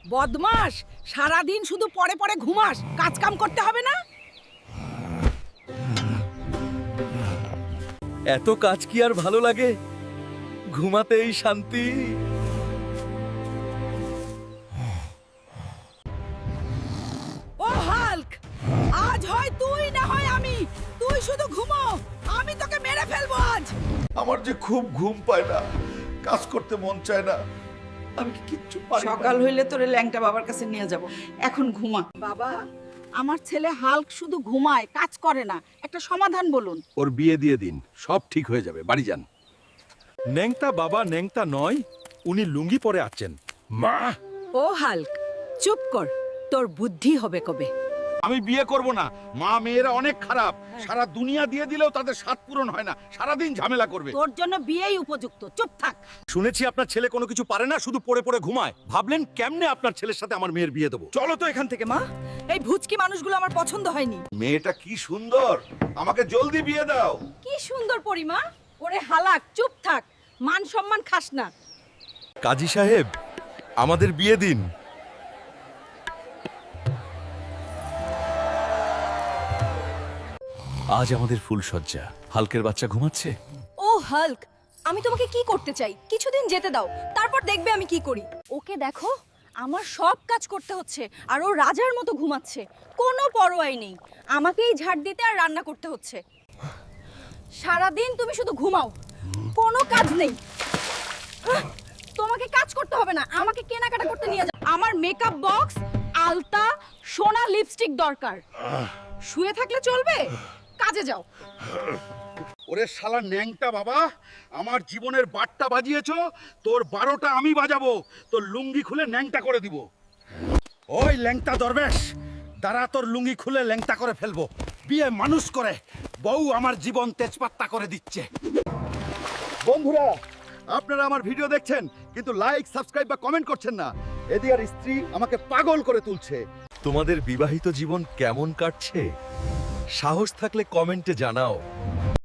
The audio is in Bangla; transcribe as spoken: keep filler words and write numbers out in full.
বদমাস, সারাদিন শুধু পড়ে পড়ে ঘুমাস, কাজ কাম করতে হবে না? এত কাজ কি আর ভালো লাগে? ঘুমাতেই শান্তি। ও হাল্ক, আজ হয় তুই না হয় আমি, তুই শুধু ঘুমো, আমি তোকে মেরে ফেলবো আজ। আমার যে খুব ঘুম পায় না, কাজ করতে মন চায় না, আমি কি কিচ্ছু পারি না। সকাল হইলে তোরে ল্যাংটা বাবার কাছে নিয়ে যাব, এখন ঘুমা। বাবা, আমার ছেলে হাল্ক শুধু ঘুমায়, কাজ করে না, একটা সমাধান বলুন। ওর বিয়ে দিয়ে দিন, সব ঠিক হয়ে যাবে। বাড়ি যান। ন্যাংটা বাবা ন্যাংটা নয়, উনি লুঙ্গি পরে আছেন। মা, ও হাল্ক, চুপ কর, তোর বুদ্ধি হবে কবে। আমি বিয়ে করব না। মা মেয়েরা অনেক খারাপ, সারা দুনিয়া দিয়ে দিলেও তাদের স্বাদ পূরণ হয় না, সারাদিন ঝামেলা করবে। তোর জন্য বিয়েই উপযুক্ত, চুপ থাক। শুনেছি আপনার ছেলে কোনো কিছু পারে না, শুধু পড়ে পড়ে ঘুমায়। ভাবলেন কেমনে আপনার ছেলের সাথে আমার মেয়ের বিয়ে দেবো? চলো তো এখান থেকে। মা, এই ভুচকি মানুষগুলো আমার পছন্দ হয়নি। মেয়েটা কি সুন্দর, আমাকে জলদি বিয়ে দাও। কি সুন্দর পরিমা। ওরে হালাক, চুপ থাক, মান সম্মান খাস না। কাজী সাহেব, আমাদের বিয়ে দিন। আজ আমাদের ফুলসজ্জা। হালকের বাচ্চা ঘুমাচ্ছে। ও হাল্ক, আমি তোমাকে কি করতে চাই, কিছুদিন যেতে দাও, তারপর দেখবে আমি কি করি। ওকে দেখো, আমার সব কাজ করতে হচ্ছে আর ও রাজার মতো ঘুমাচ্ছে, কোনো পরোয়াই নেই। আমাকেই ঝাড় দিতে আর রান্না করতে হচ্ছে। সারাদিন তুমি শুধু ঘুমাও, কোনো কাজ নেই। আহ, তোমাকে কাজ করতে হবে না, আমাকে কেনাকাটা করতে নিয়ে যাও। আমার মেকআপ বক্স, আলতা, সোনা লিপস্টিক দরকার। শুয়ে থাকলে চলবে, কাজে যাও। ওরে শালা ন্যাংটা বাবা, আমার জীবনের বারটা বাজিয়েছো, তোর বারোটা আমি বাজাবো। তোর লুঙ্গি খুলে ন্যাংটা করে দিব। ওই ল্যাংটা দরবেশ, দাঁড়া, তোর লুঙ্গি খুলে ল্যাংটা করে ফেলবো। বিয়ে মানুষ করে, বউ আমার জীবন তেজপাত্তা করে দিচ্ছে। বন্ধুরা, আপনারা আমার ভিডিও দেখছেন কিন্তু লাইক, সাবস্ক্রাইব বা কমেন্ট করছেন না। এদিয়ার স্ত্রী আমাকে পাগল করে তুলছে। তোমাদের বিবাহিত জীবন কেমন কাটছে? সাহস থাকলে কমেন্টে জানাও।